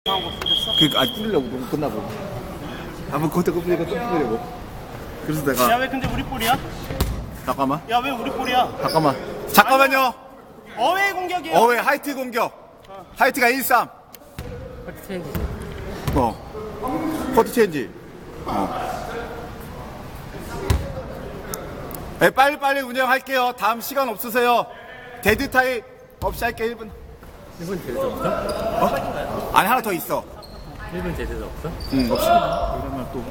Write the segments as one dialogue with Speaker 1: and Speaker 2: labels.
Speaker 1: 거 뿌렸어?
Speaker 2: 그 아직 뿌리려고 너무 끝나고 한번 그것도 뿌리니까 또 뿌리려고. 그래서 내가
Speaker 1: 야 왜 근데 우리 볼이야?
Speaker 2: 잠깐만
Speaker 1: 야 왜 우리 볼이야?
Speaker 2: 잠깐만요.
Speaker 1: 어웨이 공격이야.
Speaker 2: 어웨이 하이트 공격. 하이트가 1-3.
Speaker 3: 커트 체인지.
Speaker 2: 커트 체인지. 네, 빨리빨리 운영할게요. 다음 시간 없으세요. 데드 타임 없이 할게. 1분.
Speaker 3: 1분 제대도 없어?
Speaker 2: 아니 하나 더 있어.
Speaker 3: 1분 제대도 없어?
Speaker 2: 응 없이. 그러면 또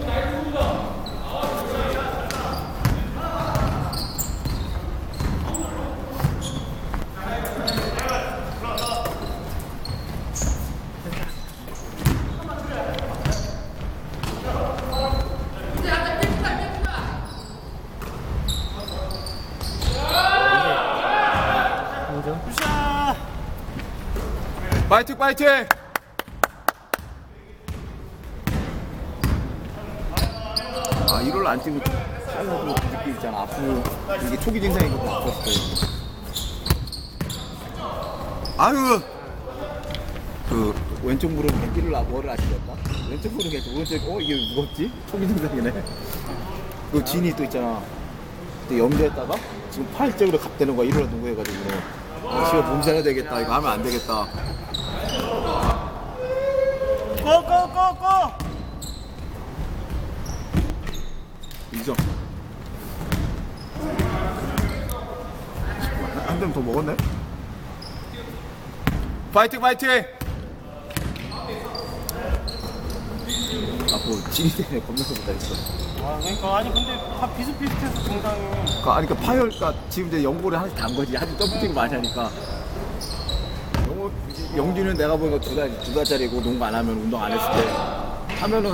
Speaker 3: 인정?
Speaker 1: 굿샷.
Speaker 2: 파이팅 파이팅. 아 이걸 안 찍으면 잘라도 느낌 있잖아. 앞으로 이게 초기 증상이거든. 아팠을 때. 아유 그 왼쪽 무릎 밴디를 뭐를 아시겠다? 왼쪽 무릎 밴디 오른쪽 이게 무겁지? 초기 증상이네. 그 진이 또 있잖아. 그때 염려했다가 지금 팔쪽으로 갑대는 거야. 일어나 누구 해가지고 지금 몸살해야 되겠다. 이거 하면 안 되겠다.
Speaker 1: 고고고고.
Speaker 2: 인정. 한 점 더 먹었네. 파이팅 파이팅. 아뭐 진이 때문에 겁나서 못하겠어.
Speaker 1: 아 그러니까 아니 근데 다 비슷비슷해서 증상이.
Speaker 2: 그러니까 파열가 지금 이제 연고를 하나씩 단 거지. 하도 점프팅 많이 하니까. 영준이는 내가 보니까 두 달짜리고 농구 안 하면 운동 안 했을 때 하면은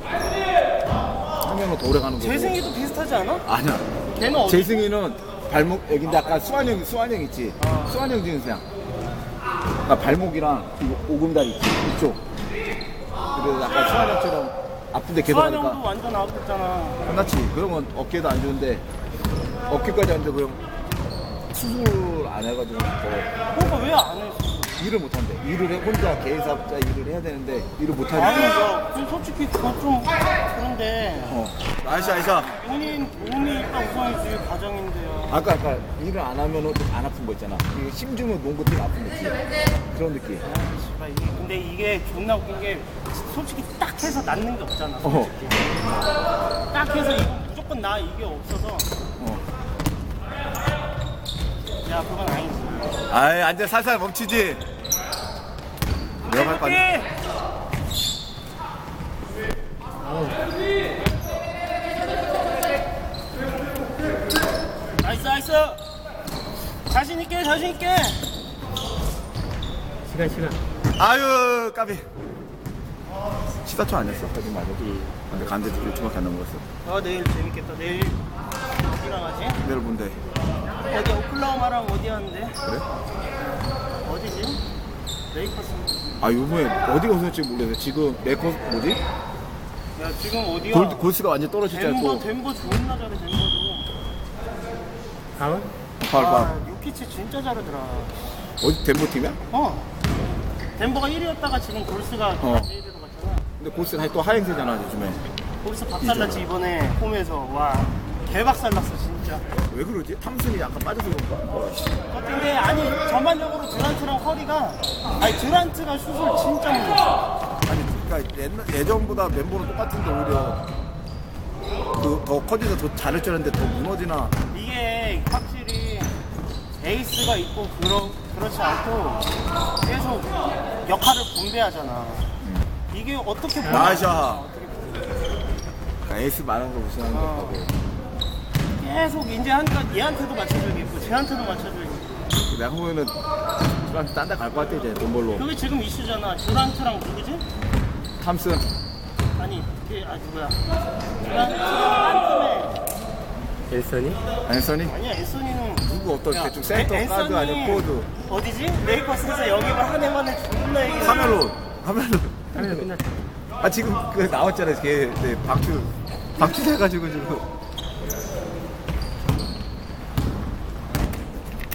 Speaker 2: 더 오래 가는 거고.
Speaker 1: 재승이도 비슷하지 않아?
Speaker 2: 아니야.
Speaker 1: 걔는 어디?
Speaker 2: 재승이는 발목 여기인데 아까 수환형 있지. 수환형 증상. 그러니까 발목이랑 이 오금다리 있지. 이쪽. 그래서 약간 수환형처럼 아픈데 계속
Speaker 1: 수환형도
Speaker 2: 하니까
Speaker 1: 완전 아팠잖아.
Speaker 2: 끝났지. 그러면 어깨도 안 좋은데 어깨까지 안 되고 그냥 수술 안 해가지고
Speaker 1: 그러니까 왜 안 해?
Speaker 2: 일을 못 한대. 혼자 개인사업자 일을 해야 되는데 일을 못
Speaker 1: 아니
Speaker 2: 하니까.
Speaker 1: 야 그럼 솔직히 그거 좀 그런데
Speaker 2: 아이샤.
Speaker 1: 본인 몸이 일단 우선이지 가정인데요.
Speaker 2: 아까 일을 안 하면은 안 아픈 거 있잖아. 이게 심주면 농구 뛰면 아픈 느낌. 그런 느낌.
Speaker 1: 씨발, 근데 이게 존나 웃긴 게 솔직히 딱 해서 낫는 게 없잖아. 솔직히. 딱 해서 이거 무조건 나 이게 없어서. 야 그건 아니지.
Speaker 2: 아이 앉아 살살 멈추지. 내가 할 거 아니야.
Speaker 1: 나이스. 자신 있게.
Speaker 3: 시간.
Speaker 2: 아유 까비. 14초 아니었어? 까비 맞아. 근데 간대도 1초밖에 안 넘었어.
Speaker 1: 내일 재밌겠다. 내일 어디랑 하지?
Speaker 2: 내일 본대.
Speaker 1: 어디 오클라호마랑 어디 하는데?
Speaker 2: 그래?
Speaker 1: 어디지? 레이커스.
Speaker 2: 아 요번에 어디가 우선일지 모르겠어. 지금 메커스 뭐지?
Speaker 1: 야 지금 어디야?
Speaker 2: 골스가 완전 떨어지잖아.
Speaker 1: 덴버 좋은 나 잘해 덴버도.
Speaker 3: 다운?
Speaker 2: 봐.
Speaker 1: 요키치 진짜 잘하더라.
Speaker 2: 어디 덴버 팀이야?
Speaker 1: 덴버가 1위였다가 지금 골스가 제1위로 갔잖아.
Speaker 2: 근데 골스가 또 하행세잖아 요즘에.
Speaker 1: 골스 박살났지 이번에 홈에서. 와 개박살났어 진짜.
Speaker 2: 왜 그러지? 탐슨이 약간 빠져서 그런가?
Speaker 1: 근데 아니 전반적으로 듀란트랑 커리가 듀란트가 슛을 진짜 못 냈어.
Speaker 2: 아니 그러니까 예전보다 멤버는 똑같은데 오히려 더 커지서 더 잘할 줄 알았는데 더 무너지나.
Speaker 1: 이게 확실히 에이스가 있고 그렇지 않고 계속 역할을 분배하잖아. 이게 어떻게 보면
Speaker 2: 나이샤. 그러니까 에이스 많은 거 무시하는 거 같고.
Speaker 1: 계속 이제 하니까 얘한테도 맞춰줘야겠고 쟤한테도 맞춰줘야겠고.
Speaker 2: 내가 보면은 듀란트 딴 데 갈 것 같아 이제 돈 벌러.
Speaker 1: 그게 지금 이슈잖아. 듀란트랑 누구지?
Speaker 2: 탐슨.
Speaker 1: 아니 누구야? 듀란트랑 딴
Speaker 3: 앨선이?
Speaker 2: 앤서니?
Speaker 1: 팀에. 아니야 앤서니는
Speaker 2: 누구 어떤 대충 센터 가드 아니면 포워드.
Speaker 1: 어디지? 레이커스에서 영입을 한 해만에 존나 얘기해.
Speaker 2: 카멜론.
Speaker 3: 하면 끝났다.
Speaker 2: 아 지금 그 나왔잖아. 걔 박주 돼가지고 지금.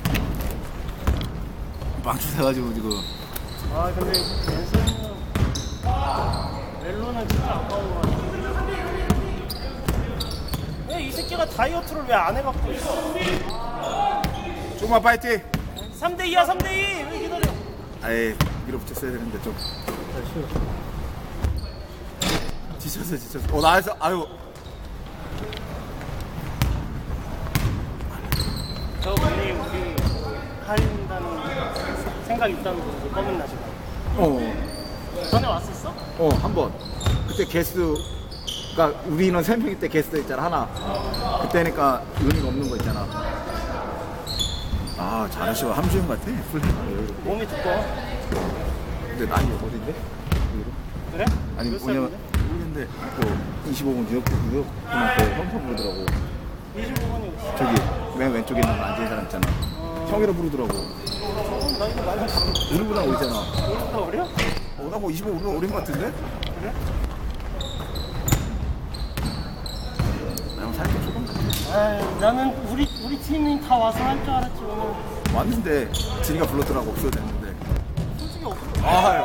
Speaker 2: 박주 돼가지고 지금.
Speaker 1: 근데 앤서니는 거는 진짜 아까운 거 같아. 왜 이 새끼가 다이어트를 왜 안 해갖고 있어?
Speaker 2: 조금만 파이팅.
Speaker 1: 3대2야 3대2 왜 기다려?
Speaker 2: 아예 밀어붙였어야 되는데 좀 지쳤어. 나에서 아유.
Speaker 1: 저 분이 우리 할린다는 생각 있다는 거 검은 나시가. 전에 왔었어?
Speaker 2: 한 번. 그때 게스트, 그러니까 우리 인원 3명일 때 게스트 있잖아, 하나. 그때니까 의미가 없는 거 있잖아. 아, 잘하셔. 함주형 같아.
Speaker 1: 몸이 두꺼워.
Speaker 2: 근데 나이 어린데?
Speaker 1: 그래?
Speaker 2: 아니,
Speaker 1: 몇
Speaker 2: 뭐냐면,
Speaker 1: 살인데?
Speaker 2: 모르겠는데, 또 25분 뉴욕분한테 형평 부르더라고.
Speaker 1: 25번이
Speaker 2: 저기, 맨 왼쪽에 있는 앉은 사람 있잖아. 형이라 부르더라고.
Speaker 1: 저건 나이가 많이
Speaker 2: 우리보다 어리잖아.
Speaker 1: 우리보다 어려?
Speaker 2: 나 뭐 25분 어린 거 같은데?
Speaker 1: 그래?
Speaker 2: 나 형 살짝 조금 같아.
Speaker 1: 아유, 나는 우리 팀이 다 와서 할 줄 알았지 오늘.
Speaker 2: 왔는데, 진이가 불렀더라고. 없어도 됐는데.
Speaker 1: 솔직히 없어.
Speaker 2: 아유.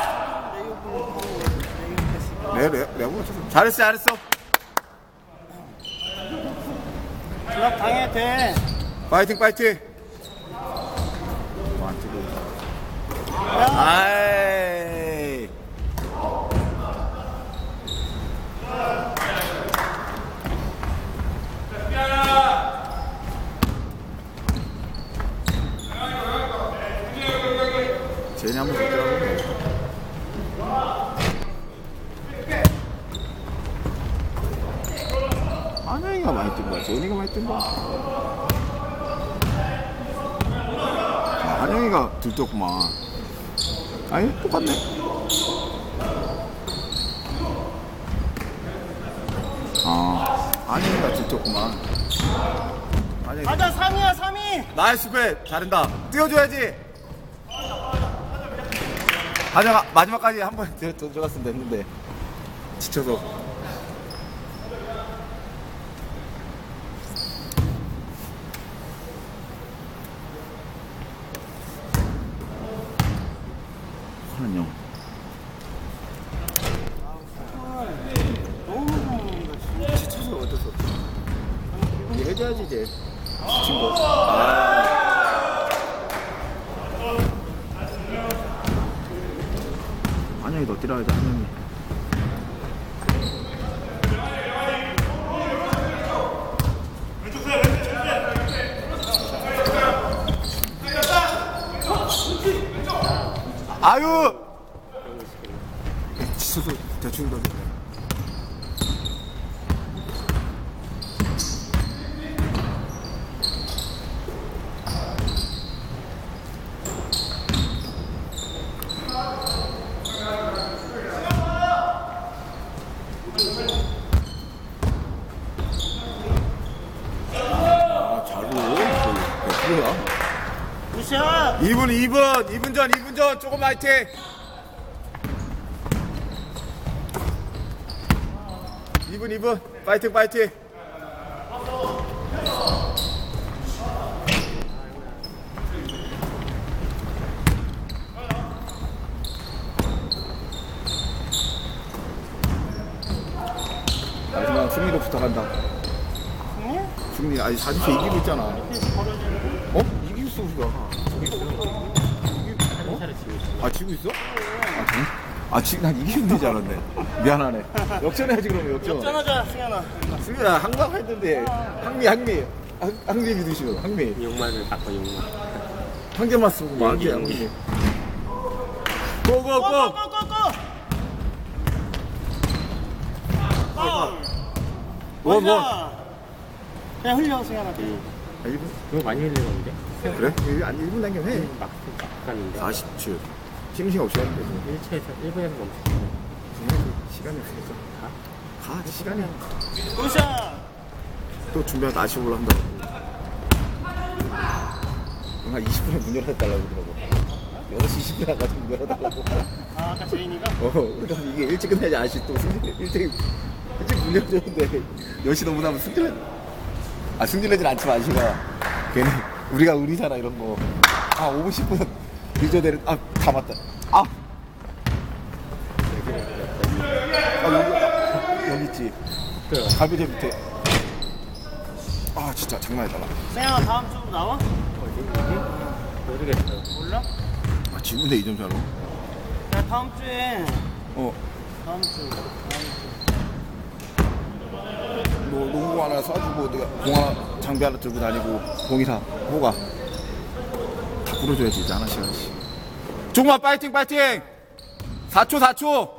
Speaker 1: 내 욕을
Speaker 2: 내가 불렀어. 잘했어.
Speaker 1: 연락 당해야 돼.
Speaker 2: 파이팅. 안 뜨고. 아이. 제니 한번 줬더라고. 한영이가 많이 뜬 거야. 제니가 많이 뜬 거야. 한영이가 들떴구만. 아니, 똑같네. 한영이가 들떴구만.
Speaker 1: 가자 3위야 3위.
Speaker 2: 나이스 배 잘한다. 뛰어줘야지. 하정아 마지막까지 한 번 들어갔으면 됐는데 지쳐서. 하는 형.
Speaker 1: 너무 좋은 거
Speaker 2: 지쳐서 어쩔 수 없어. 이제 해줘야지 이제. 지친 거. 한영이 너 뛰라야지 한영이. 아유! 지쳐서 대충 던져.
Speaker 1: 굿샷.
Speaker 2: 2분 전 조금 화이팅. 이분 파이팅. 마지막 승리로 부탁한다.
Speaker 1: 승리?
Speaker 2: 승리 아니 4주째 이기고 있잖아. 이기고 있어 우리가.
Speaker 3: 차례 지고 있어.
Speaker 2: 지고 있어? 지금 난 이기면 되지 않았네. 미안하네. 역전해야지 그러면 역전.
Speaker 1: 역전하자 승현아.
Speaker 2: 승리야 항상 했는데 항미 믿으시오. 항미
Speaker 3: 욕만을 바꿔 욕만.
Speaker 2: 한 개만 쓰고 뭐 한 개 항미. 고고고. 원.
Speaker 1: 그냥 흘려 승현아.
Speaker 2: 1분?
Speaker 3: 그거 많이 흘리는데?
Speaker 2: 그래? 아니 1분 당겨 해.
Speaker 3: 막 갔는데.
Speaker 2: 40초. 심심 없이 하는데.
Speaker 3: 1분에서 멈추고.
Speaker 2: 시간이 없으니까. 가 시간이.
Speaker 1: 굿샷.
Speaker 2: 또 준비하다 다시 올라온다. 한 20분에 문 열어달라고 그러더라고. 6시 20분에 가서 문 열어달라고.
Speaker 1: 아까 제인이가?
Speaker 2: 그러니까 이게 일찍 끝나야지 아저씨 또 일찍 문 열어줬는데 10시 넘어가면 승질내진 않지만 아저씨가 괜히 우리가 의리잖아 이런 거. 5분 10분 늦어야 되는 다 맞다. 있지.
Speaker 3: 그래요.
Speaker 2: 갈비대 밑에. 아 진짜 장난이다.
Speaker 1: 세영아 다음 주로 나와?
Speaker 3: 어디? 모르겠어요.
Speaker 1: 몰라?
Speaker 2: 아 지문대 2점 차로.
Speaker 1: 야 다음 주에
Speaker 2: 어.
Speaker 1: 다음 주
Speaker 2: 너 농구 하나 쏴주고 내가 공 하나 장비 하나 들고 다니고 공이사 뭐가 다 불어줘야지 이제 하나씩 하나씩. 종마 파이팅 파이팅. 4초 4초.